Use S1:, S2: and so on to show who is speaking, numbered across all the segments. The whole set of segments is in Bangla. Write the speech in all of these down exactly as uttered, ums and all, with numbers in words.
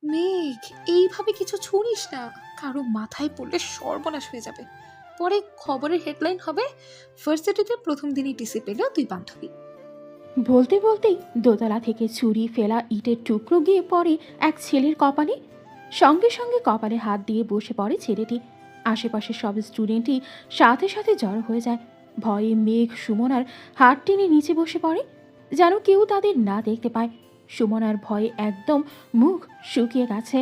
S1: মেঘ, এইভাবে কিছু ছুড়িস না, কারো মাথায় পড়লে সর্বনাশ হয়ে যাবে। পরে খবরের হেডলাইন হবে, ভার্সিটিতে প্রথম দিনই টিসি পেল দুই বান্ধবী।
S2: বলতে বলতেই দোতলা থেকে ছুরি ফেলা ইটের টুকরো গিয়ে পড়ে এক ছেলের কপালে। সঙ্গে সঙ্গে কপালে হাত দিয়ে বসে পড়ে ছেলেটি। আশেপাশের সব স্টুডেন্টই সাথে সাথে জড়ো হয়ে যায়। ভয়ে মেঘ সুমনার হাত টেনে নিচে বসে পড়ে, যেন কেউ তাদের না দেখতে পায়। সুমনার ভয়ে একদম মুখ শুকিয়ে গেছে।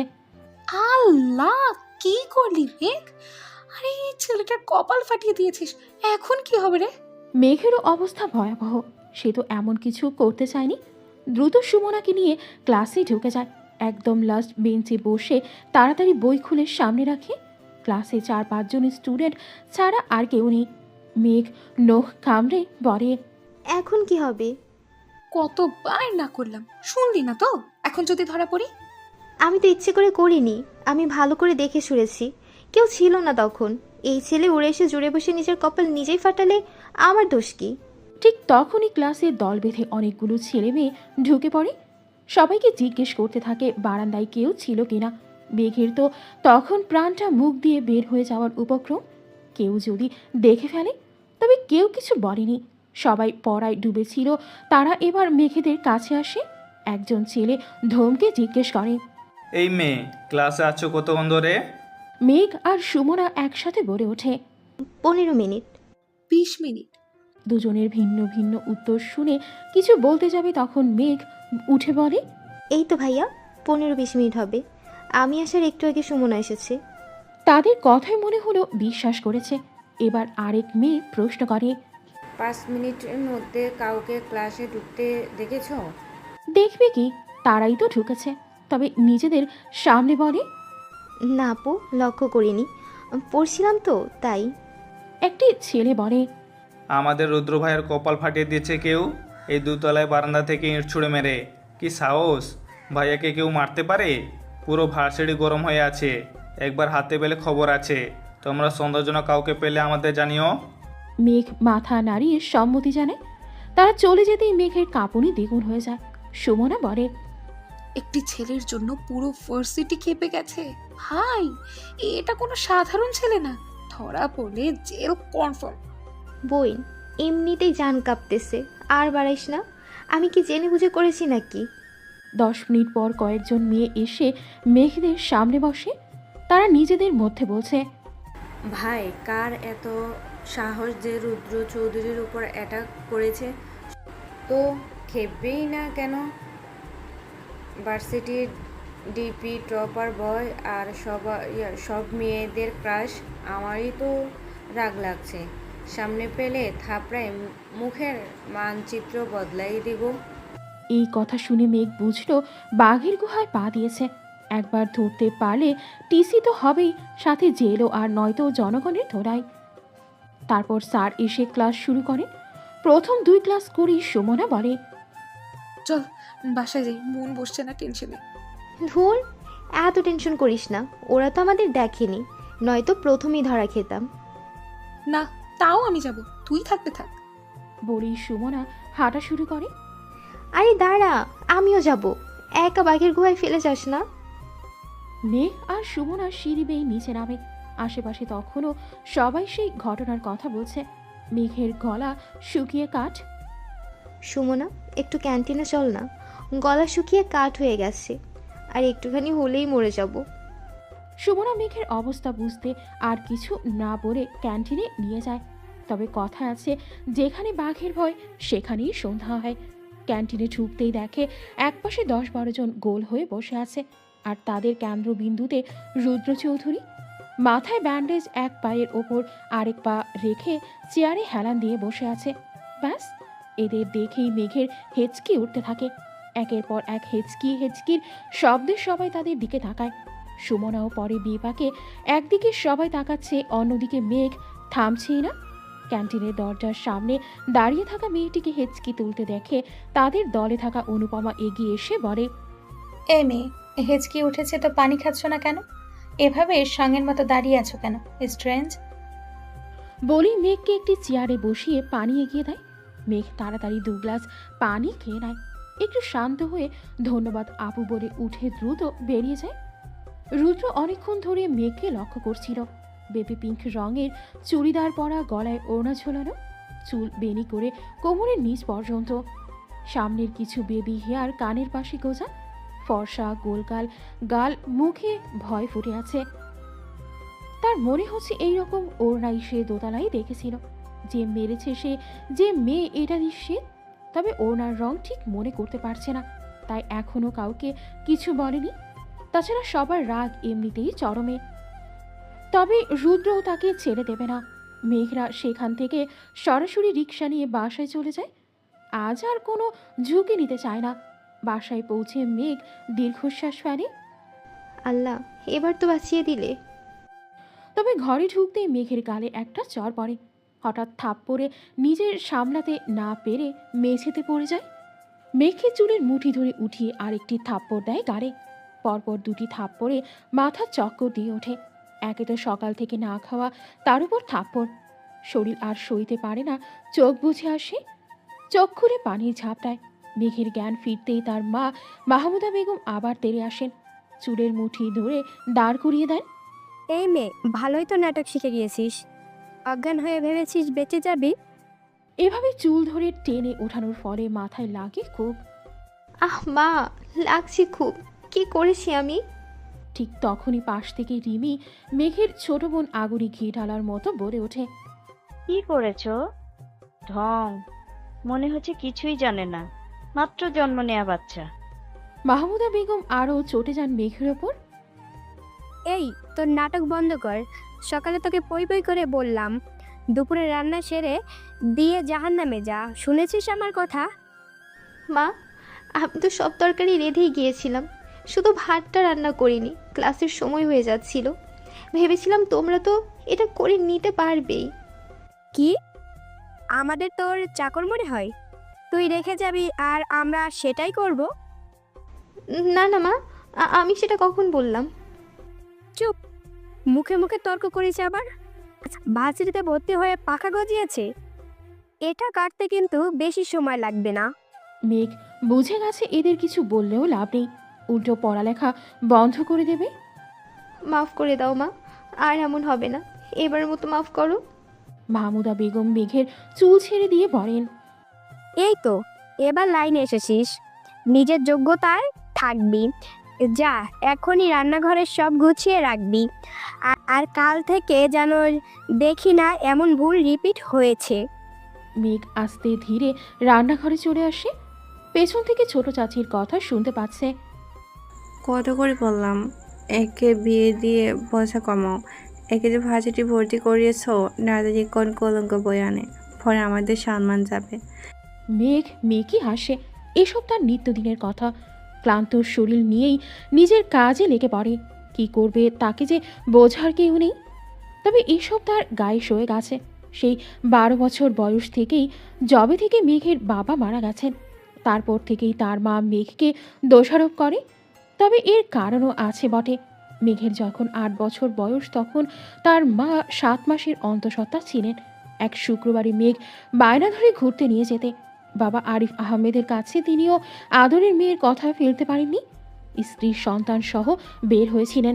S1: আল্লাহ, কি করলি মেঘ? আরে এই ছেলেটার কপাল ফাটিয়ে দিয়েছিস, এখন কি হবে রে?
S2: মেঘেরও অবস্থা ভয়াবহ। সে তো এমন কিছু করতে চায়নি। দ্রুত সুমনাকে নিয়ে ক্লাসে ঢুকে যায়। একদম লাস্ট বেঞ্চে বসে তাড়াতাড়ি বই খুলে সামনে রাখে। ক্লাসে চার পাঁচজন স্টুডেন্ট ছাড়া আর কেউ নেই। মেঘ নখ কামড়ে বলে,
S3: এখন কি হবে?
S1: কতবার না করলাম, শুনলি না তো? এখন যদি ধরা পড়ি?
S3: আমি তো ইচ্ছে করে করিনি, আমি ভালো করে দেখে শুনেছি। কেউ ছিল না তখন। এই ছেলে উড়ে এসে জুড়ে বসে নিজের কপাল নিজেই ফাটালে আমার দোষ কি?
S2: ঠিক তখনই ক্লাসে দল বেঁধে অনেকগুলো ছেলে মেয়ে ঢুকে পড়ে। সবাইকে জিজ্ঞেস করতে থাকে বারান্দায় কেউ ছিল কিনা। মেঘের তো তখন প্রাণটা মুখ দিয়ে বের হয়ে যাওয়ার উপক্রম। কেউ যদি দেখে ফেলে, তবে কেউ কিছু বলেনি। সবাই পড়ায় ডুবেছিল। তারা এবার মেঘেদের কাছে আসে। একজন ছেলে ধমকে জিজ্ঞেস করে,
S4: এই মেয়ে, ক্লাসে আছো কতক্ষণ ধরে?
S2: মেঘ আর সুমনা একসাথে বলে ওঠে,
S3: পনেরো মিনিট।
S1: বিশ মিনিট।
S2: দুজনের ভিন্ন ভিন্ন উত্তর শুনে কিছু বলতে যাবে তখন মেঘ উঠে বলে,
S3: এই তো ভাইয়া, পনেরো বিশ মিনিট হবে। আমি আসার একটু আগে সুমনা এসেছে।
S2: তাদের কথাই মনে হলো বিশ্বাস করেছে। এবার আরেক মেয়ে প্রশ্ন করে,
S5: পাঁচ মিনিটের মধ্যে কাউকে ক্লাসে ঢুকতে দেখেছো?
S2: দেখবে কি, তারাই তো ঢুকেছে। তবে নিজেদের সামনে বলে,
S3: না আপু, লক্ষ্য করিনি, পড়ছিলাম তো তাই।
S2: একটি ছেলে বলে,
S4: আমাদের রুদ্র ভাইয়ের কপাল ফাটিয়ে দিয়েছে কেউ, এই দুতলায় বারান্দা থেকে ইঁট ছুঁড়ে মেরে। কি সাহস! ভাইয়াকে কেউ মারতে পারে? পুরো ভার্সিটি গরম হয়ে আছে। একবার হাতে পেলে খবর আছে। তোমরা সন্দেহজনক কাউকে পেলে আমাদের জানিও।
S2: মেঘ মাথা নাড়িয়ে সম্মতি জানায়। তারা চলে যেতেই মেঘের কাঁপুনি দ্বিগুণ হয়ে যায়। সুমনা বলে,
S1: একটি ছেলের জন্য পুরো ভার্সিটি খেপে গেছে। ভাই, এটা কোনো সাধারণ ছেলে না, ধরা পড়লে জেল কনফার্ম।
S3: বইন, এমনিতেই জান কাঁপতেছে, আর বাড়াইস না। আমি কি জেনে বুঝে করেছি নাকি?
S2: দশ মিনিট পর কয়েকজন মেয়ে এসে মেঘদের সামনে বসে। তারা নিজেদের মধ্যে বলছে,
S5: ভাই, কার এত সাহস যে রুদ্র চৌধুরীর উপর অ্যাটাক করেছে? তো খেপবেই না কেন? ভার্সিটির ডিপি টপার বয় আর সব সব মেয়েদের ক্রাশ। আমারই তো রাগ লাগছে। সামনে পেলে থাপড়ায় মুখের মানচিত্র বদলাই দিব।
S2: এই কথা শুনে মেঘ বুঝলো বাঘের গুহায় পা দিয়েছে। একবার ধরতে পারলে টিসি তো হবেই, সাথে জেলও, আর নয়তো জনগণের ধরাই। তারপর স্যার এসে ক্লাস শুরু করেন। প্রথম দুই ক্লাস করেই সুমনা বলে,
S1: চল বাসায় যাই, মন বসছে না টেনশনে।
S3: ধুর, এত টেনশন করিস না। ওরা তো আমাদের দেখেনি, নয়তো প্রথমেই ধরা খেতাম।
S1: না, তাও আমি যাব, তুই থাকতে থাক।
S2: বলেই সুমনা হাঁটা শুরু করে।
S3: আরে দাঁড়া, আমিও যাব। একা বাঘের গুহায় ফেলে যাস না।
S2: মেঘ আর সুমনা সিঁড়ি বেয়ে নিচে নামে। আশেপাশে তখনও সবাই সেই ঘটনার কথা বলছে। মেঘের গলা শুকিয়ে কাঠ।
S3: সুমনা, একটু ক্যান্টিনে চল না, গলা শুকিয়ে কাঠ হয়ে গেছে, আর একটুখানি হলেই মরে যাব।
S2: সুমনা মেঘের অবস্থা বুঝতে আর কিছু না বলে ক্যান্টিনে নিয়ে যায়। তবে কথা আছে, যেখানে বাঘের ভয় সেখানেই সন্ধ্যা হয়। ক্যান্টিনে ঢুকতেই দেখে একপাশে দশ বারো জন গোল হয়ে বসে আছে, আর তাদের কেন্দ্রবিন্দুতে রুদ্র চৌধুরী। মাথায় ব্যান্ডেজ, এক পায়ের ওপর আরেক পা রেখে চেয়ারে হেলান দিয়ে বসে আছে। ব্যাস, এদের দেখেই মেঘের হেঁচকি উঠতে থাকে। একের পর এক হেঁচকি হেঁচকির শব্দে সবাই তাদের দিকে তাকায়। সুমনাও পরে বিপাকে। একদিকে সবাই তাকাচ্ছে, অন্যদিকে মেঘ থামছেই না। ক্যান্টিনের দরজার সামনে দাঁড়িয়ে থাকা মেয়েটিকে হেঁচকি তুলতে দেখে তাদের দলে থাকা অনুপমা এগিয়ে এসে বলে,
S6: এ মেয়ে, হেঁচকি উঠেছে তো পানি খাচ্ছ না কেন? এভাবে সঙ্গের মতো দাঁড়িয়ে আছো কেন? স্ট্রেঞ্জ।
S2: বলেই মেঘকে একটি চেয়ারে বসিয়ে পানি এগিয়ে দেয়। মেঘ তাড়াতাড়ি দু গ্লাস পানি খেয়ে নেয়। একটু শান্ত হয়ে ধন্যবাদ আপু বলে উঠে দ্রুত বেরিয়ে যায়। রুদ্র অনেকক্ষণ ধরে মেঘকে লক্ষ্য করছিল। বেবি পিঙ্ক রঙের চুড়িদার পরা, গলায় ওড়না ঝোলানো, চুল বেনি করে কোমরের নিচ পর্যন্ত, সামনের কিছু বেবি হেয়ার কানের পাশে গোজা, ফর্সা গোলগাল গাল, মুখে ভয় ফুটে আছে। তার মনে হচ্ছে এইরকম ওড়নাই সে দোতলায় দেখেছিল। যে মেরেছে সে, যে মেয়ে এটা নিশ্চিত, তবে ওড়নার রং ঠিক মনে করতে পারছে না, তাই এখনো কাউকে কিছু বলেনি। তাছাড়া সবার রাগ এমনিতেই চরমে। তবে রুদ্রও তাকে ছেড়ে দেবে না। মেঘরা সেখান থেকে সরাসরি রিক্সা নিয়ে বাসায় চলে যায়। আজ আর কোনো ঝুঁকি নিতে চায় না। বাসায় পৌঁছে মেঘ দীর্ঘশ্বাস ফেলে।
S3: আল্লাহ, এবার তো বাঁচিয়ে দিলে।
S2: তবে ঘরে ঢুকতেই মেঘের গালে একটা চর পড়ে। হঠাৎ থাপ্পড়ে নিজের সামলাতে না পেরে মেঝেতে পড়ে যায়। মেঘে চুলের মুঠি ধরে উঠিয়ে আরেকটি থাপ্পড় দেয় গালে। পরপর দুটি থাপ্পড়ে মাথা চক্কর দিয়ে ওঠে। একে তো সকাল থেকে না খাওয়া, তার উপর থাপ্পড়। শরীর আর সইতে পারে না, চোখ বুঝে আসে। চোখ খুলে পানির ঝাপটায়। মেঘের জ্ঞান ফিরতেই তার মা মাহমুদা বেগম আবার তেড়ে আসেন। চুলের মুঠি ধরে দাঁড় করিয়ে দেন।
S7: এই মেয়ে, ভালোই তো নাটক শিখে গিয়েছিস। অজ্ঞান হয়ে ভেবেছিস বেঁচে যাবি?
S2: এভাবে চুল ধরে টেনে ওঠানোর ফলে মাথায় লাগে খুব।
S3: আহ মা, লাগছে খুব। কি করেছি আমি?
S2: ঠিক তখনই পাশ থেকে রিমি মেঘের ছোট বোন আগুনে ঘি ঢালার মতো বলে ওঠে।
S8: কি করেছো? ঢং, মনে হচ্ছে কিছুই জানে না, মাত্র জন্ম নেয়া বাচ্চা।
S2: মাহমুদা বেগম আরও চটে যান মেঘের ওপর।
S7: এই, তোর নাটক বন্ধ কর। সকালে তোকে পই পই করে বললাম দুপুরে রান্না সেরে দিয়ে জাহান্নামে যা। শুনেছিস আমার কথা?
S3: মা, আমি তো সব তরকারি রেঁধেই গিয়েছিলাম, শুধু ভাতটা রান্না করিনি। ক্লাসের সময় হয়ে যাচ্ছিল, ভেবেছিলাম তোমরা তো এটা করে নিতে পারবেই।
S7: কি, আমাদের তোর চাকর মনে হয়? তুই রেখে যাবি আর আমরা সেটাই করব?
S3: না না মা, আ- আমি সেটা কখন বললাম?
S7: চুপ, মুখে মুখে তর্ক করিস আবার। ভার্সিটিতে ভর্তি হয়ে পাখা গজিয়েছে, এটা কাটতে কিন্তু বেশি সময় লাগবে না।
S2: মেঘ বুঝে গেছে এদের কিছু বললেও লাভ নেই, উল্টো পড়ালেখা বন্ধ করে দেবে।
S3: মাফ করে দাও মা, আর এমন হবে না। এবার মতো মাফ করো।
S2: মাহমুদা বেগম মেঘের চুল ছেড়ে দিয়ে বলেন।
S7: এই তো, এবার লাইনে এসেছিস। নিজের যোগ্যতায় থাকবি। যা, এখনই রান্নাঘরের সব গুছিয়ে রাখবি। আর- আর কাল থেকে যেন দেখি না এমন ভুল রিপিট হয়েছে।
S2: মেঘ আস্তে ধীরে রান্নাঘরে চলে আসে। পেছন থেকে ছোট চাচির কথা শুনতে পাচ্ছে।
S9: কত করে বললাম একে বিয়ে দিয়ে বোঝা কমাও। একে যে ভার্সিটি ভর্তি করিয়েছ, দাদাজি কোন কলঙ্ক বই আনে, পরে আমাদের সম্মান যাবে।
S2: মেঘ মেঘই হাসে। এসব তার নিত্যদিনের কথা। ক্লান্ত শরীর নিয়েই নিজের কাজে লেগে পড়ে। কি করবে, তাকে যে বোঝার কেউ নেই। তবে এসব তার গায়ে সয়ে গেছে। সেই বারো বছর বয়স থেকেই, যবে থেকে মেঘের বাবা মারা গেছেন, তারপর থেকেই তার মা মেঘকে দোষারোপ করে। তবে এর কারণও আছে বটে। মেঘের যখন আট বছর বয়স, তখন তার মা সাত মাসের অন্তঃসত্ত্বা ছিলেন। এক শুক্রবারে মেঘ বায়না ধরে ঘুরতে নিয়ে যেতে বাবা আরিফ আহমেদের কাছে তিনিও আদরের মেয়ের কথা ফেলতে পারেননি। স্ত্রী সন্তান সহ বের হয়েছিলেন।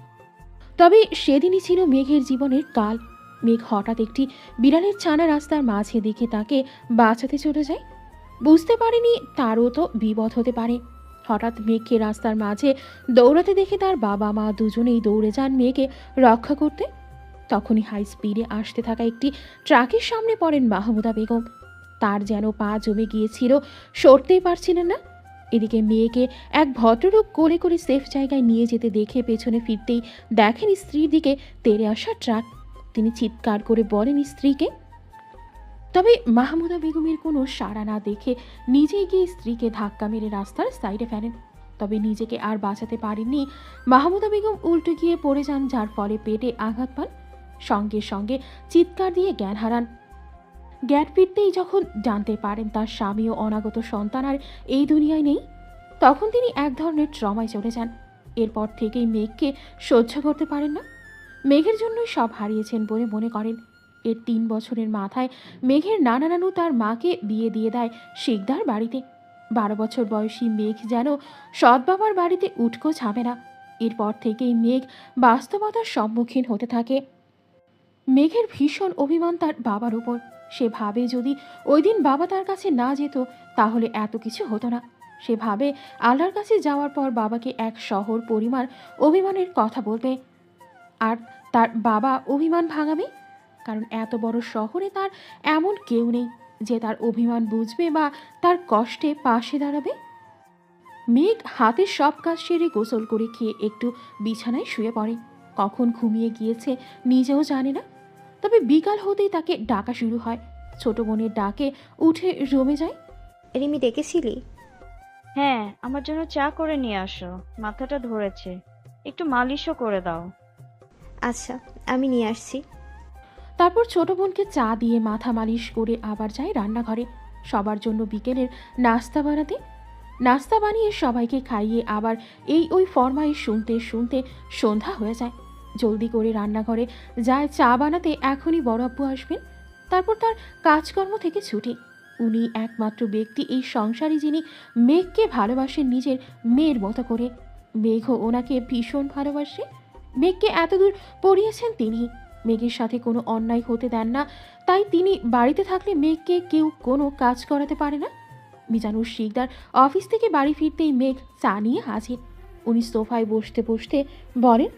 S2: তবে সেদিনই ছিল মেঘের জীবনের কাল। মেঘ হঠাৎ একটি বিড়ালের ছানা রাস্তার মাঝে দেখে তাকে বাঁচাতে চলে যায়। বুঝতে পারেনি তারও তো বিপদ হতে পারে। হঠাৎ মেঘকে রাস্তার মাঝে দৌড়াতে দেখে তার বাবা মা দুজনেই দৌড়ে যান মেঘকে রক্ষা করতে। তখনই হাই স্পিডে আসতে থাকা একটি ট্রাকের সামনে পড়েন মাহমুদা বেগম। তার যেন পা জমে গিয়েছিল, সরতেই পারছিলেন না। এদিকে মেয়েকে এক ভদ্রলোক কোলে করে সেফ জায়গায় নিয়ে যেতে দেখে পেছনে ফিরতেই দেখেন স্ত্রীর দিকে তেড়ে আসা ট্রাক। তিনি চিৎকার করে বলেন স্ত্রীকে। তবে মাহমুদা বেগমের কোনো সাড়া না দেখে নিজেই গিয়ে স্ত্রীকে ধাক্কা মেরে রাস্তার সাইডে ফেলেন। তবে নিজেকে আর বাঁচাতে পারেননি। মাহমুদা বেগম উল্টে গিয়ে পড়ে যান, যার ফলে পেটে আঘাত পান। সঙ্গে সঙ্গে চিৎকার দিয়ে জ্ঞান হারান। জ্ঞান ফিরতেই যখন জানতে পারেন তার স্বামী ও অনাগত সন্তান আর এই দুনিয়ায় নেই, তখন তিনি এক ধরনের ট্রমায় চলে যান। এরপর থেকেই মেঘকে সহ্য করতে পারেন না। মেঘের জন্যই সব হারিয়েছেন বলে মনে করেন। এর তিন বছরের মাথায় মেঘের নানা নানু তার মাকে বিয়ে দিয়ে দেয় শিকদার বাড়িতে। বারো বছর বয়সী মেঘ যেন সৎ বাবার বাড়িতে উটকো ছাবে না। এরপর থেকেই মেঘ বাস্তবতার সম্মুখীন হতে থাকে। মেঘের ভীষণ অভিমান তার বাবার উপর। সে ভাবে যদি ওই দিন বাবা তার কাছে না যেত তাহলে এত কিছু হতো না। সে ভাবে আল্লাহর কাছে যাওয়ার পর বাবাকে এক শহর পরিমাণ অভিমানের কথা বলবে, আর তার বাবা অভিমান ভাঙাবে, কারণ এত বড় শহরে তার এমন কেউ নেই যে তার অভিমান বুঝবে বা তার কষ্টে পাশে দাঁড়াবে। মেঘ হাতের সব কাজ সেরে গোসল করে খেয়ে একটু বিছানায় শুয়ে পড়ে। কখন ঘুমিয়ে গিয়েছে নিজেও জানে না। তবে বিকাল হতেই তাকে ডাকা শুরু হয়। ছোট বোনের ডাকে উঠে রুমে যায়।
S3: রিমি ডেকেছিলি?
S8: হ্যাঁ, আমার জন্য চা করে নিয়ে আসো, মাথাটা ধরেছে, একটু মালিশও করে দাও।
S3: আচ্ছা, আমি নিয়ে আসছি।
S2: তারপর ছোট বোনকে চা দিয়ে মাথা মালিশ করে আবার যায় রান্নাঘরে সবার জন্য বিকেলের নাস্তা বানাতে। নাস্তা বানিয়ে সবাইকে খাইয়ে আবার এই ওই ফরমাইশ শুনতে শুনতে সন্ধ্যা হয়ে যায়। জলদি করে রান্নাঘরে যায় চা বানাতে, এখনই বড় আব্বু আসবেন। তারপর তার কাজকর্ম থেকে ছুটি। উনি একমাত্র ব্যক্তি এই সংসারী যিনি মেঘকে ভালোবাসেন নিজের মেয়ের মতো করে। মেঘও ওনাকে ভীষণ ভালোবাসে। মেঘকে এতদূর পড়িয়েছেন তিনি। মেঘের সাথে কোনো অন্যায় হতে দেন না, তাই তিনি বাড়িতে থাকলে মেঘকে কেউ কোনো কাজ করাতে পারে না। মিজানুর শিকদার অফিস থেকে বাড়ি ফিরতেই মেঘ চা নিয়ে হাজির। উনি সোফায় বসতে বসতে বলেন,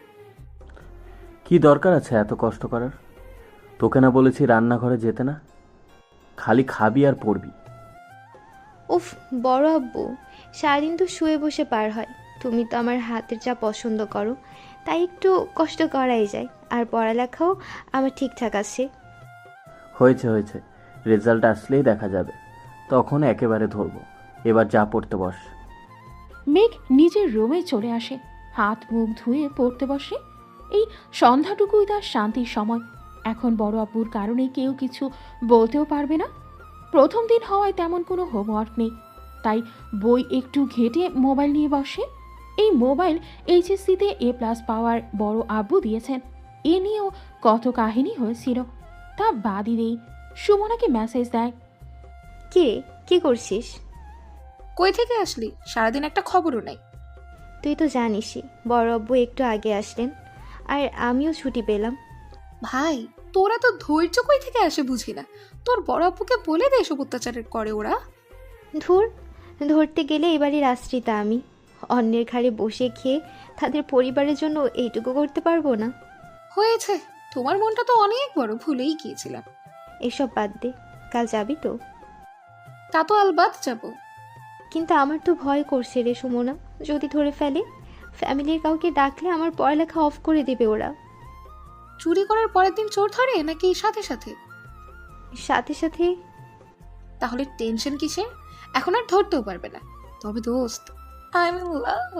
S10: কি দরকার আছে এত কষ্ট করার? তোকে না বলেছি রান্নাঘরে যেতে না? খালি খাবি আর পড়বি।
S3: উফ, বড় আব্বু, সারাদিন তো শুয়ে বসে পার হয়। তুমি তো আমার হাতের চা পছন্দ করো, তাই একটু কষ্ট করাই যায়। আর পড়ালেখাও আমার ঠিকঠাক আছে।
S10: হয়েছে হয়েছে, রেজাল্ট আসলেই দেখা যাবে, তখন একেবারে ধরবো। এবার যা পড়তে বস।
S2: মেঘ নিজের রুমে চলে আসে, হাত মুখ ধুয়ে পড়তে বসে। এই সন্ধ্যাটুকুই তার শান্তির সময়। এখন বড় আব্বুর কারণে কেউ কিছু বলতেও পারবে না। প্রথম দিন হওয়ায় তেমন কোনো হোমওয়ার্ক নেই, তাই বই একটু ঘেটে মোবাইল নিয়ে বসে। এই মোবাইল এইচএসসিতে এ প্লাস পাওয়ার বড় আব্বু দিয়েছেন। এ নিয়েও কত কাহিনী হয়েছিল, তা বাদই নেই। সুমনাকে মেসেজ দেয়,
S3: কে কি করছিস?
S1: কই থেকে আসলি? সারাদিন একটা খবরও নাই।
S3: তুই তো জানিসই, বড় আব্বু একটু আগে আসলেন, আর আমিও ছুটি পেলাম।
S1: ভাই, তোরা তো ধৈর্য কই থেকে আসে বুঝি না। তোর বড় আপুকে বলে দে এসব অত্যাচারের করে ওরা।
S3: ধুর, ধরতে গেলে এবারই আশ্রিতা আমি। অন্যের ঘাড়ে বসে খেয়ে তাদের পরিবারের জন্য এইটুকু করতে পারবো না?
S1: হয়েছে, তোমার মনটা তো অনেক বড়, ভুলেই গিয়েছিলাম।
S3: এসব বাদ দে, কাল যাবি তো?
S1: তা তো আলবাত যাব।
S3: কিন্তু আমার তো ভয় করছে রে সুমনা, যদি ধরে ফেলে। ফ্যামিলির কাউকে ডাকলে আমার পড়ালেখা অফ করে দেবে ওরা।
S1: চুরি করার পরের দিন চোর ধরে নাকি সাথে সাথে?
S3: সাথে সাথে।
S1: তাহলে টেনশন কিসের? এখন আর ধরতেও পারবে না। তবে দোস্ত, আই এম ইন লাভ।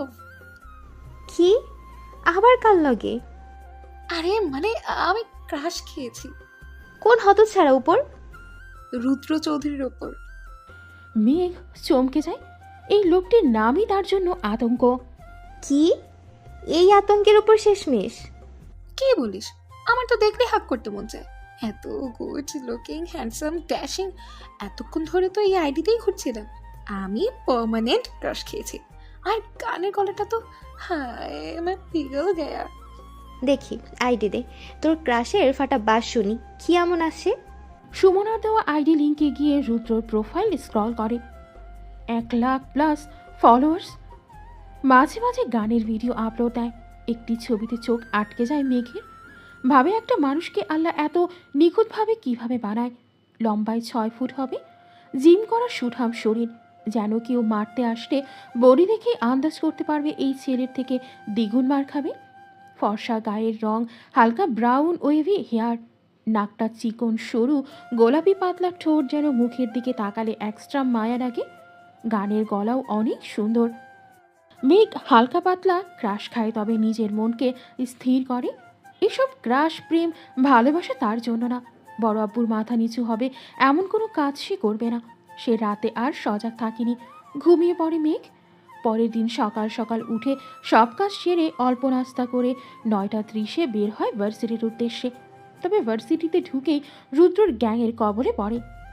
S3: কি? আবার কাল লগে?
S1: আরে মানে আমি ক্রাশ খেয়েছি।
S3: কোন হতচ্ছাড়া উপর?
S1: রুদ্র চৌধুরীর ওপর।
S2: মেঘ চমকে যায়। এই লোকটির নামই তার জন্য আতঙ্ক।
S3: কি? এই আতঙ্কের উপর শেষমেশ?
S1: কি বলিস? আমার তো দেখলে হাক করতে মন চায়। এত গুড লুকিং, হ্যান্ডসাম, ড্যাশিং। এতক্ষণ ধরে তো এই আইডিতেই ঘুরছিলাম। আমি পার্মানেন্ট ক্রাশ খেয়েছি। আর গানের গলাটা তো হায় আমার পিগল গয়া।
S3: দেখি আইডি দে, তোর ক্রাশের ফাটা বাস শুনি, কি এমন আসে?
S2: সুমনার দেওয়া আইডি লিঙ্কে গিয়ে রুদ্রর প্রোফাইল স্ক্রল করে। এক লাখ প্লাস ফলোয়ার্স। মাঝে মাঝে গানের ভিডিও আপলোড দেয়। একটি ছবিতে চোখ আটকে যায় মেঘের। ভাবে একটা মানুষকে আল্লাহ এত নিখুঁতভাবে কিভাবে বানায়। লম্বায় ছয় ফুট হবে, জিম করা সুঠাম শরীর, যেন কেউ মারতে আসলে বডি দেখে আন্দাজ করতে পারবে এই ছেলের থেকে দ্বিগুণ মার খাবে। ফর্সা গায়ের রং, হালকা ব্রাউন ওয়েভি হেয়ার, নাকটা চিকন সরু, গোলাপি পাতলা ঠোঁট যেন মুখের দিকে তাকালে এক্সট্রা মায়া লাগে। গানের গলাও অনেক সুন্দর। মেঘ হালকা পাতলা ক্রাশ খায়, তবে নিজের মনকে স্থির করে। এসব ক্রাশ, প্রেম, ভালোবাসা তার জন্য না। বড় আব্বুর মাথা নিচু হবে এমন কোনো কাজ সে করবে না। সে রাতে আর সজাগ থাকেনি, ঘুমিয়ে পড়ে মেঘ। পরের দিন সকাল সকাল উঠে সব কাজ সেরে অল্প নাস্তা করে নয়টা ত্রিশে বের হয় ভার্সিটির উদ্দেশ্যে। তবে ভার্সিটিতে ঢুকেই রুদ্রর গ্যাংয়ের কবলে পড়ে।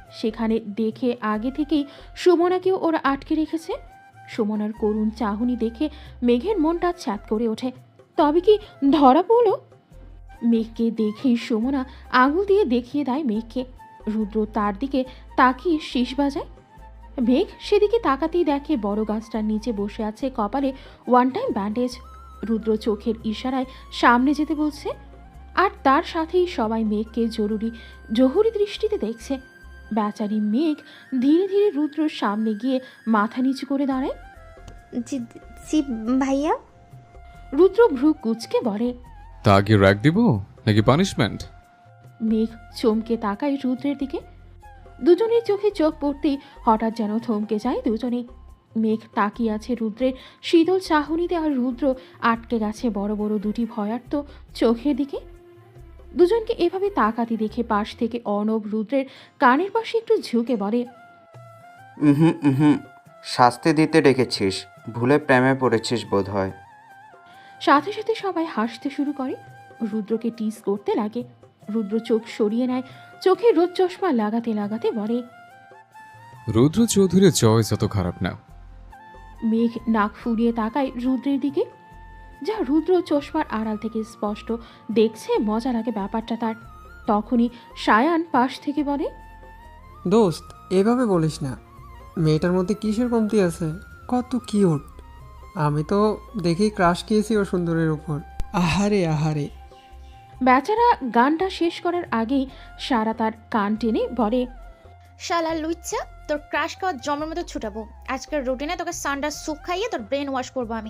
S2: সেখানে দেখে আগে থেকেই সুমনাকেও ওরা আটকে রেখেছে। সুমনার করুণ চাহনি দেখে মেঘের মনটা ছ্যাদ করে ওঠে। তবে কি ধরা পড়ল? মেঘকে দেখেই সুমনা আঙুল দিয়ে দেখিয়ে দেয় মেঘকে। রুদ্র তার দিকে তাকিয়ে শীষ বাজায়। মেঘ সেদিকে তাকাতেই দেখে বড় গাছটার নিচে বসে আছে কপালে ওয়ান টাইম ব্যান্ডেজ। রুদ্র চোখের ইশারায় সামনে যেতে বলছে, আর তার সাথেই সবাই মেঘকে জরুরি জহুরি দৃষ্টিতে দেখছে। বেচারি মেঘ ধীরে ধীরে রুদ্রর সামনে গিয়ে মাথা নিচু করে দাঁড়ায়।
S3: জি জি ভাইয়া।
S2: রুদ্র ভ্রু কুচকে বলে,
S11: তা কি র্যাক দিব নাকি পানিশমেন্ট?
S2: মেঘ চমকে তাকায় রুদ্রের দিকে। দুজনের চোখে চোখ পড়তেই হঠাৎ যেন থমকে যায় দুজনেই। মেঘ তাকিয়ে আছে রুদ্রের শীতল চাহনিতে, আর রুদ্র আটকে গেছে বড় বড় দুটি ভয়ার্ত চোখের দিকে। দুজনকে এভাবে তাকাতে দেখে পাশ থেকে অর্ণব রুদ্রের কানের পাশে একটু ঝুঁকে বলে,
S12: হুম হুম শাস্তি দিতে ডেকেছিস, ভুলে প্রেমে পড়েছিস বোধ হয়।
S2: সাথে সাথে সবাই হাসতে শুরু করে। রুদ্রকে টিস করতে লাগে। রুদ্র চোখ সরিয়ে নেয়, চোখে রোদ চশমা লাগাতে লাগাতে বলে,
S11: রুদ্র চৌধুরীর চয়েস অত খারাপ না।
S2: মেঘ নাক ফুরিয়ে তাকায় রুদ্রের দিকে, যা রুদ্র চশমার আড়াল থেকে স্পষ্ট দেখছে। মজা লাগে ব্যাপারটা তার। তখনই সায়ান পাশ থেকে বলে,
S13: দোস্ত এভাবে বলিস না, মেয়েটার মধ্যে কিসের কমতি আছে, কত কিউট। আমি তো দেখেই ক্রাশ খেয়েছি ওর সুন্দরের উপর। আহারে আহারে।
S2: বেচারা গানটা শেষ করার আগেই সারা তার কান টেনে বলে,
S14: শালা লুচ্চা, তোর ক্রাশ খাওয়ার জমের মতো ছুটাবো। আজকের রুটিনে তোকে সান্ডার স্যুপ খাইয়ে তোর ব্রেন ওয়াশ করবো আমি।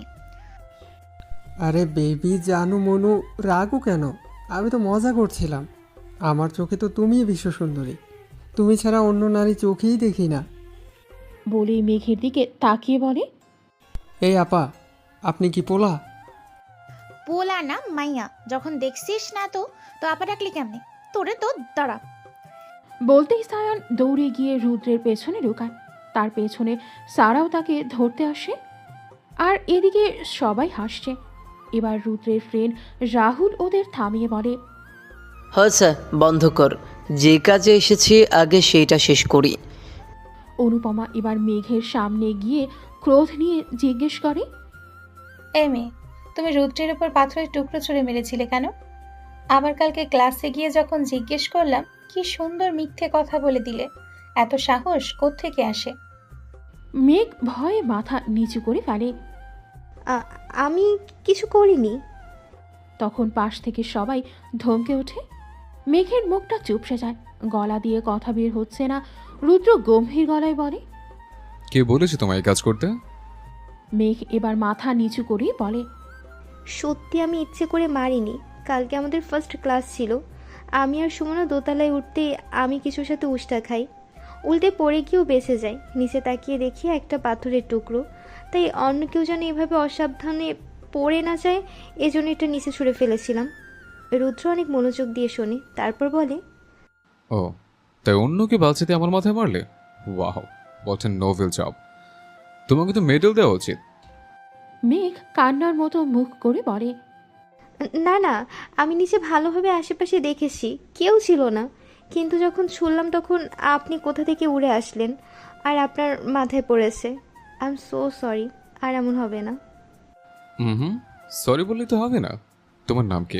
S13: আরে বেবি জানু মনু, রাগও কেন? আমি তো মজা করছিলাম। আমার চোখে তো তুমিই বিশ্ব সুন্দরী, তুমি ছাড়া অন্য নারী চোখেই দেখি না।
S2: বলেই মেঘের দিকে তাকিয়ে বলে,
S13: এই আপা, আপনি কি পোলা?
S14: পোলা না মাইয়া। যখন দেখছিস না তো তো আপা ডাকলি কেমনে? তোরে তো দাঁড়া।
S2: বলতেই সায়ান দৌড়ে গিয়ে রুদ্রের পেছনে ঢোকায়। তার পেছনে সারাও তাকে ধরতে আসে, আর এদিকে সবাই হাসছে। এবার রুদ্রের ফ্রেন্ড রাহুল ওদের থামিয়ে বলে,
S15: হয়েছে, বন্ধ কর। যে কাজে এসেছি আগে সেইটা শেষ করি।
S2: অনুপমা এবার মেঘের সামনে গিয়ে ক্রোধ নিয়ে জিজ্ঞেস করে,
S6: এই মেয়ে, তুমি রুদ্রের উপর পাথরের টুকরো ছুঁড়ে মেরেছিলে কেন? আবার কালকে ক্লাসে গিয়ে যখন জিজ্ঞেস করলাম, কি সুন্দর মিথ্যে কথা বলে দিলে। এত সাহস কোত্থেকে আসে?
S2: মেঘ ভয়ে মাথা নিচু করে ফেলে।
S3: আমি কিছু করিনি।
S2: তখন পাশ থেকে সবাই ধমকে ওঠে। মেঘের মুখটা চুপসে যায়, গলা দিয়ে কথা বের হচ্ছে না। রুদ্র গম্ভীর গলায় বলে,
S11: কে বলেছে তোমায় কাজ করতে?
S2: মেঘ এবার মাথা নিচু করেই বলে,
S3: সত্যি আমি ইচ্ছে করে মারিনি। কালকে আমাদের ফার্স্ট ক্লাস ছিল। আমি আর সুমনা দোতলায় উঠতে আমি কিছুর সাথে উষ্টা খাই, উল্টে পড়ে গিয়েও বেঁচে যাই। নিচে তাকিয়ে দেখি একটা পাথরের টুকরো, তাই অন্য কেউ যেন এভাবে অসাবধানে পড়ে না যায়, এজন্য এটা নিচে ছুঁড়ে ফেলেছিলাম। রুদ্র অনেক মনোযোগ দিয়ে শোনে, তারপর বলে,
S11: ও তাই অন্যকে বাঁচাতে আমার মাথায় মারলে? Wow, what a noble job. তোমাকে তো মেডেল দেওয়া উচিত।
S2: মেঘ কান্নার মতো মুখ করে বলে,
S3: না না, আমি নিচে ভালোভাবে আশেপাশে দেখেছি, কেউ ছিল না। কিন্তু যখন শুনলাম তখন আপনি কোথা থেকে উড়ে আসলেন আর আপনার মাথায় পড়েছে। আই এম সো সরি, আর এমন হবে না।
S11: হুম হুম সরি বললে তো হবে না। তোমার নাম কি?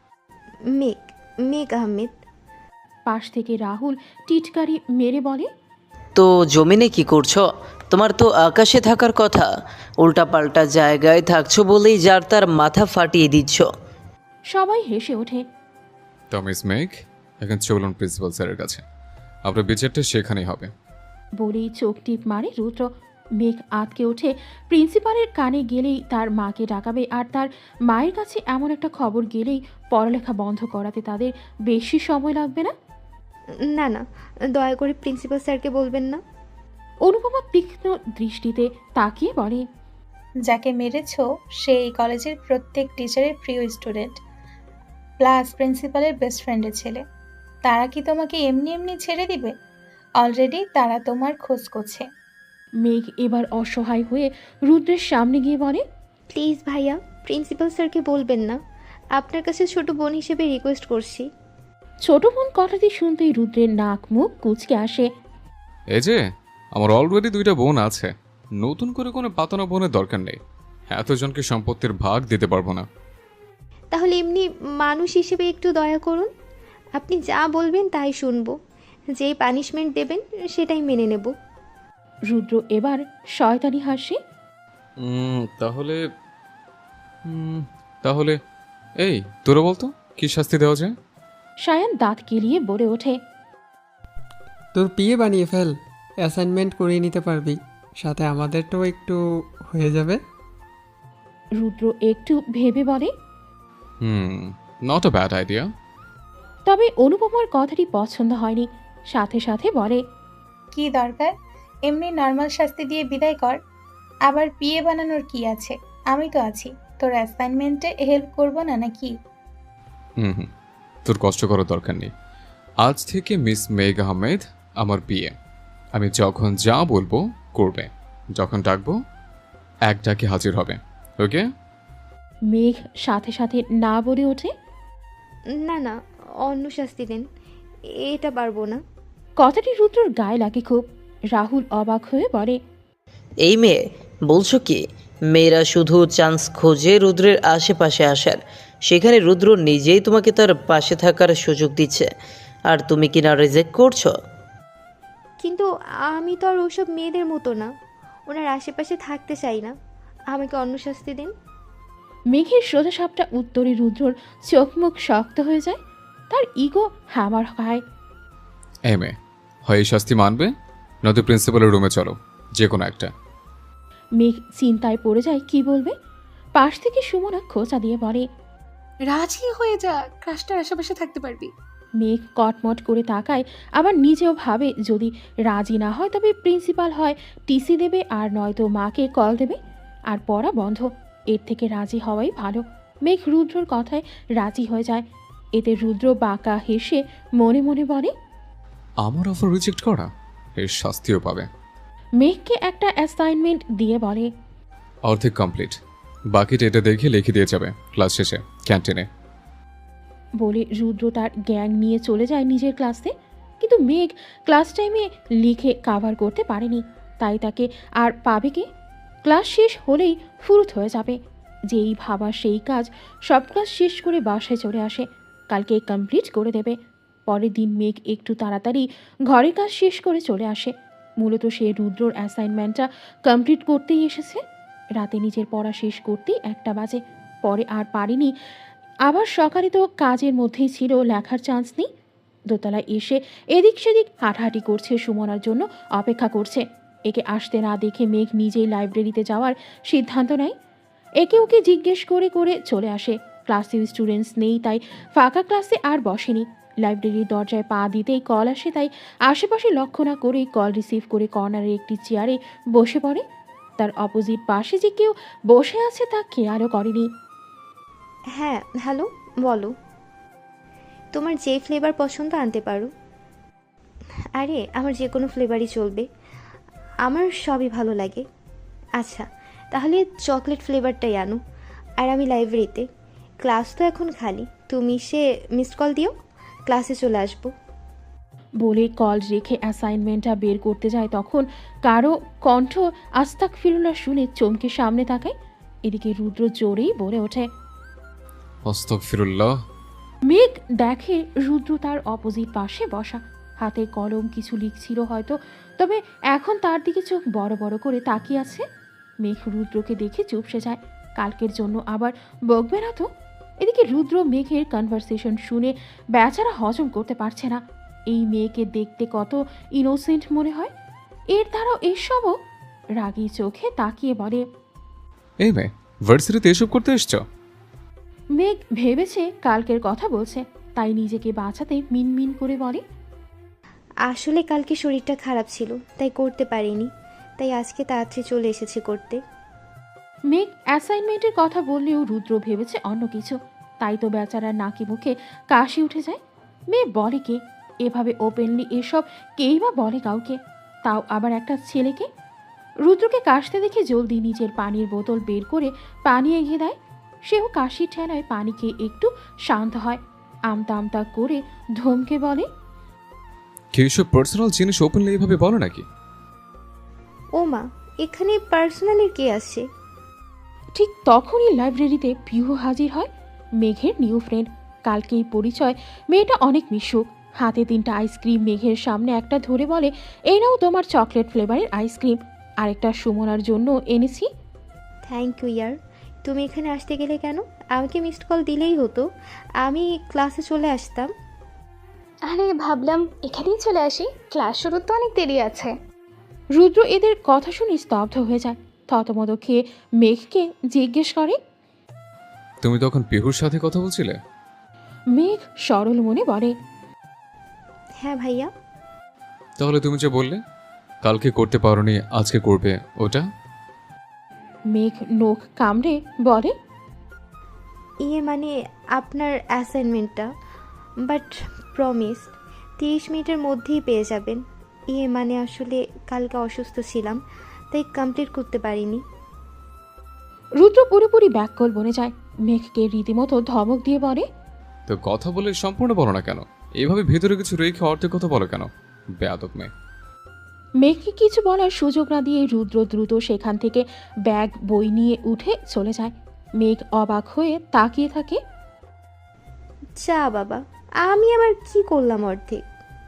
S3: মেঘ, মেঘ আহমেদ।
S2: পাশ থেকে রাহুল টিটকারি মেরে বলে,
S15: তো জমিনে কি করছো? তোমার তো আকাশে থাকার কথা, উল্টাপাল্টা জায়গায় থাকছো বলেই যার তার মাথা ফাটিয়ে দিচ্ছ।
S2: সবাই হেসে ওঠে।
S11: তো মিস মেঘ, এখন চলুন প্রিন্সিপাল স্যারের কাছে, আপনার বিচারটা সেখানেই হবে।
S2: বলেই চোখ টিপ মারে রুদ্র। মেঘ আটকে ওঠে। প্রিন্সিপালের কানে গেলেই তার মাকে ডাকাবে, আর তার মায়ের কাছে এমন একটা খবর গেলেই পড়ালেখা বন্ধ করাতে তাদের বেশি সময় লাগবে না।
S3: না না, দয়া করে প্রিন্সিপাল স্যারকে বলবেন না।
S2: অনুপমা তীক্ষ্ণ দৃষ্টিতে তাকিয়ে বলে,
S6: যাকে মেরেছ সে এই কলেজের প্রত্যেক টিচারের প্রিয় স্টুডেন্ট, প্লাস প্রিন্সিপালের বেস্ট ফ্রেন্ডের ছেলে। তারা কি তোমাকে এমনি এমনি ছেড়ে দিবে? অলরেডি তারা তোমার খোঁজ করছে।
S2: মেঘ এবার অসহায় হয়ে রুদ্রের সামনে গিয়ে বলে,
S3: প্লিজ ভাইয়া, প্রিন্সিপাল স্যারকে বলবেন না। আপনার কাছে ছোট বোন হিসেবে রিকোয়েস্ট করছি।
S2: ছোট বোন কথাটি শুনতেই রুদ্রের নাক মুখ কুঁচকে আসে।
S11: এই যে আমার অলরেডি দুইটা বোন আছে, নতুন করে কোনো পাতানো বোনের দরকার নেই। এতজনকে সম্পত্তির ভাগ দিতে পারবো না।
S3: তাহলে এমনি মানুষ হিসেবে একটু দয়া করুন। আপনি যা বলবেন তাই শুনবো, যেই পানিশমেন্ট দেবেন সেটাই মেনে নেব।
S2: রুদ্র এবার শয়তানি হাসি।
S11: উম, তাহলে উম, তাহলে এই তোরা বলতো কি শাস্তি দেওয়া যায়?
S2: সায়ান দাঁত কেলিয়ে বলে ওঠে।
S13: তোর পিয়ে বানিয়ে ফেল, অ্যাসাইনমেন্ট করিয়ে নিতে পারবি, সাথে আমাদেরটাও একটু হয়ে যাবে।
S2: রুদ্র একটু ভেবে বলে।
S11: Hmm, not a bad idea.
S2: তবে অনুপমার কথাটি পছন্দ হয়নি, সাথে সাথে বলে,
S6: কি দরকার, এমনি নর্মাল শাস্তি দিয়ে বিদায় কর। আবার পিএ বানানোর কি আছে, আমি তো আছি, তোর অ্যাসাইনমেন্টে হেল্প করবো না নাকি?
S11: হুম হুম তোর কষ্ট করার দরকার নেই। আজ থেকে মিস মেঘ আহমেদ আমার বিয়ে। আমি যখন যা বলবো করবে, যখন ডাকবো এক ডাকে হাজির হবে। ওকে?
S2: মেঘ সাথে সাথে না বলে ওঠে।
S3: না না, অন্য শাস্তি দেন, এটা পারবো না।
S2: কথাটি রুদ্রর গায়ে লাগে খুব। রাহুল অবাক হয়ে বলে,
S15: এই মেয়ে বলছো কি? মেয়েরা শুধু চান্স খোঁজে রুদ্রের আশেপাশে আসার, সেখানে রুদ্র নিজেই তোমাকে তার পাশে থাকার সুযোগ দিচ্ছে, আর তুমি কিনা রিজেক্ট করছো?
S3: কিন্তু আমি তো আর ওসব মেয়েদের মতো না, ওনার আশেপাশে থাকতে চাই না, আমাকে অন্য শাস্তি দিন।
S2: মেঘের সোজাসাপটা উত্তরে রুদ্রর চোখ মুখ শক্ত হয়ে যায়, তার ইগো হ্যামার খায়।
S11: এ মেয়ে, হয় এই শাস্তি মানবে, নয়তো প্রিন্সিপালের রুমে চলো, যে কোনো একটা।
S2: মেঘ চিন্তায় পড়ে যায় কি বলবে। পাশ থেকে সুমনা খোঁচা দিয়ে বলে,
S1: রাজি হয়ে যা, ক্রাশটার আশেপাশে থাকতে পারবি।
S2: মেঘ কটমট করে তাকায়, আবার নিজেও ভাবে যদি রাজি না হয় তবে প্রিন্সিপাল হয় টিসি দেবে, আর নয়তো মাকে কল দেবে, আর পড়া বন্ধ। এর থেকে রাজি হওয়াই ভালো। মেঘ রুদ্রর কথায় রাজি হয়ে যায়। এতে রুদ্র বাঁকা হেসে মনে মনে বলে,
S11: আমার অফার রিজেক্ট করা, এর শাস্তিও পাবে।
S2: মেঘকে একটা অ্যাসাইনমেন্ট দিয়ে বলে,
S11: অর্ধেক কমপ্লিট, বাকিটা এটা দেখে লিখে দিয়ে যাবে ক্লাস শেষে ক্যান্টিনে।
S2: বলে রুদ্র তার গ্যাং নিয়ে চলে যায় নিজের ক্লাসে। কিন্তু মেঘ ক্লাস টাইমে লিখে কাভার করতে পারেনি, তাই তাকে আর পাবে কে? ক্লাস শেষ হলেই ফুরুত হয়ে যাবে। যেই ভাবা সেই কাজ, সব ক্লাস শেষ করে বাসায় চলে আসে, কালকে কমপ্লিট করে দেবে। পরের দিন মেঘ একটু তাড়াতাড়ি ঘরের কাজ শেষ করে চলে আসে। মূলত সে রুদ্রর অ্যাসাইনমেন্টটা কমপ্লিট করতেই এসেছে। রাতে নিজের পড়া শেষ করতেই একটা বাজে, পরে আর পারেনি। আবার সকালে তো কাজের মধ্যেই ছিল, লেখার চান্স নেই। দোতলায় এসে এদিক সেদিক হাঁটাহাঁটি করছে, সুমনার জন্য অপেক্ষা করছে। একে আসতে না দেখে মেঘ নিজেই লাইব্রেরিতে যাওয়ার সিদ্ধান্ত নেয়। একে ওকে জিজ্ঞেস করে করে চলে আসে। ক্লাসে স্টুডেন্টস নেই, তাই ফাঁকা ক্লাসে আর বসেনি। লাইব্রেরির দরজায় পা দিতেই কল আসে, তাই আশেপাশে লক্ষ্য না করেই কল রিসিভ করে কর্নারের একটি চেয়ারে বসে পড়ে। তার অপোজিট পাশে যে কেউ বসে আছে তা খেয়ালও করেনি।
S3: হ্যাঁ হ্যালো, বলো। তোমার যে ফ্লেভার পছন্দ আনতে পারো। আরে আমার যে কোনো ফ্লেভারই চলবে, আমার সবই ভালো লাগে। আচ্ছা তাহলে চকলেট ফ্লেভারটাই আনো। আর আমি লাইব্রেরিতে, ক্লাস তো এখন খালি, তুমি সে মিসড কল দিও, ক্লাসে চলে আসবো।
S2: বলে কল রেখে অ্যাসাইনমেন্টটা বের করতে যায়, তখন কারো কণ্ঠ আস্তাগফিরুল্লাহ শুনে চমকে সামনে তাকায়। এদিকে রুদ্র জোরেই বলে ওঠে,
S11: আস্তাগফিরুল্লাহ।
S2: মেঘ দেখে রুদ্র তার অপোজিট পাশে বসা, হাতে কলম কিছু লিখছিল হয়তো, তবে এখন তার দিকে চোখ বড় বড় করে তাকিয়ে আছে। মেঘ রুদ্রকে দেখে চুপসে যায়, কালকের জন্য আবার বকবে না তো। এদিকে রুদ্র মেঘের কনভারসেশন শুনে বেচারা হজম করতে পারছে না। এই মেয়েকে দেখতে কত ইনোসেন্ট মনে হয়, এর দ্বারাও এসবও। রাগী চোখে তাকিয়ে বলে,
S11: এই মেয়ে, ভার্সিটিতে এসব করতে এসছো?
S2: মেঘ ভেবেছে কালকের কথা বলছে, তাই নিজেকে বাঁচাতে মিনমিন করে বলে,
S3: আসলে কালকে শরীরটা খারাপ ছিল, তাই করতে পারিনি, তাই আজকে তাড়াতাড়ি চলে এসেছি করতে।
S2: মেঘ অ্যাসাইনমেন্টের কথা বললেও রুদ্র ভেবেছে অন্য কিছু, তাই তো বেচারার নাকি মুখে কাশি উঠে যায়। মেয়ে বলে কে এভাবে ওপেনলি এসব, কেই বা বলে কাউকে, তাও আবার একটা ছেলেকে। রুদ্রকে কাশতে দেখে জলদি নিজের পানির বোতল বের করে পানি এগিয়ে দেয়। সেও কাশির ঠেলায় পানি খেয়ে একটু শান্ত হয়। আমতা আমতা করে ধমকে বলে,
S11: কেউ এসব পার্সোনাল জিনিস ওপেনলি এইভাবে বলো নাকি?
S3: ও মা, এখানে পার্সোনালি কে আসে?
S2: ঠিক তখনই লাইব্রেরিতে পিহু হাজির হয়, মেঘের নিউ ফ্রেন্ড। কালকেই পরিচয়। মেয়েটা অনেক মিশুক। হাতে তিনটা আইসক্রিম মেঘের সামনে একটা ধরে বলে, এই নাও তোমার চকলেট ফ্লেভারের আইসক্রিম, আরেকটা সুমনার জন্য এনেছি।
S3: থ্যাংক ইউ ইয়ার। তুমি এখানে আসতে গেলে কেন? আমাকে মিসড কল দিলেই হতো, আমি ক্লাসে চলে আসতাম।
S1: আরে ভাবলাম এখানেই চলে আসি, ক্লাস শুরুর তো অনেক দেরি আছে।
S2: রুদ্র এদের কথা শুনে স্তব্ধ হয়ে যায়। থতমত খেয়ে মেঘকে জিজ্ঞেস করে,
S11: তুমি তখন পিহুর সাথে কথা বলছিলে?
S2: মেঘ সরল মনে বলে,
S3: হ্যাঁ ভাইয়া।
S11: তাহলে তুমি যে বললে কালকে করতে পারোনি আজকে করবে, ওটা?
S2: মেঘ নখ কামড়ে বলে,
S3: ইয়ে মানে আপনার অ্যাসাইনমেন্টটা, বাট প্রমিস তিরিশ মিনিটের মধ্যেই পেয়ে যাবেন। ইয়ে মানে আসলে কালকে অসুস্থ ছিলাম, তাই কমপ্লিট করতে পারিনি।
S2: রুদ্র পুরোপুরি ব্যাককল বনে যায়। মেঘকে রীতিমতো ধমক দিয়ে বলে,
S11: তো কথা বলে সম্পূর্ণ বলো না কেন? এইভাবে ভেতরে কিছু রেখে অর্ধেক কথা বলো কেন? বেয়াদব মেয়ে।
S2: মেঘকে কিছু বলার সুযোগ না দিয়ে রুদ্র দ্রুত সেখান থেকে ব্যাগ বই নিয়ে উঠে চলে যায়। মেঘ অবাক হয়ে তাকিয়ে থাকে।
S3: যা বাবা, আমি আবার কি করলাম অর্ধেক?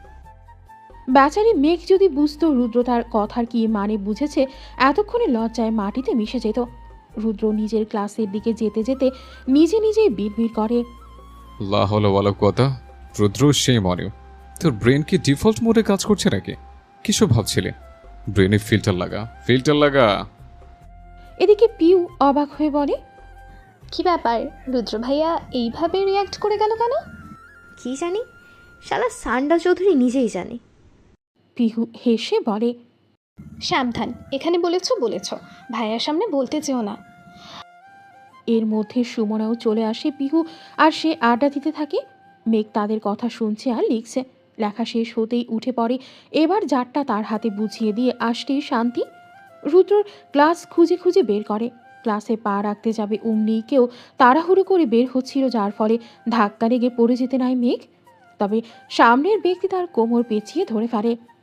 S2: বেচারি মেঘ যদি বুঝতো রুদ্র তার কথার কি মানে বুঝেছে, এতক্ষণে লজ্জায় মাটিতে মিশে যেত। রুদ্র নিজের ক্লাসের দিকে যেতে যেতে নিজে নিজেই বিড়বিড় করে,
S11: লা হলো বলো কথা। রুদ্র, সেই মনে তোর ব্রেন কি ডিফল্ট মোডে কাজ করছে নাকি? কিসব ভাবছিলে? ব্রেনে ফিল্টার লাগা, ফিল্টার লাগা।
S2: এদিকে পিউ অবাক হয়ে বলে,
S1: কি ব্যাপার, রুদ্র ভাইয়া এইভাবে রিয়াক্ট করে গেল কেন?
S3: কি জানি, শালা সান্ডা চৌধুরী নিজেই জানে।
S2: পিহু হেসে বলে,
S1: সাবধান, এখানে বলেছ বলেছ, ভাইয়ার সামনে বলতে চেও না।
S2: এর মধ্যে সুমনাও চলে আসে। পিহু আর সে আড্ডা দিতে থাকে। মেঘ তাদের কথা শুনছে আর লিখছে। লেখা শেষ হতেই উঠে পড়ে। এবার জারটা তার হাতে বুঝিয়ে দিয়ে আসতেই শান্তি। রুদ্রর ক্লাস খুঁজে খুঁজে বের করে। ক্লাসে পা রাখতে যাবে অমনি কেউ তাড়াহুড়ো করে বের হচ্ছিল, যার ফলে ধাক্কা লেগে পড়ে যেতে নাই মেঘ। তবে সামনের ব্যক্তি তার কোমর পেঁচিয়ে ধরে ফেলে।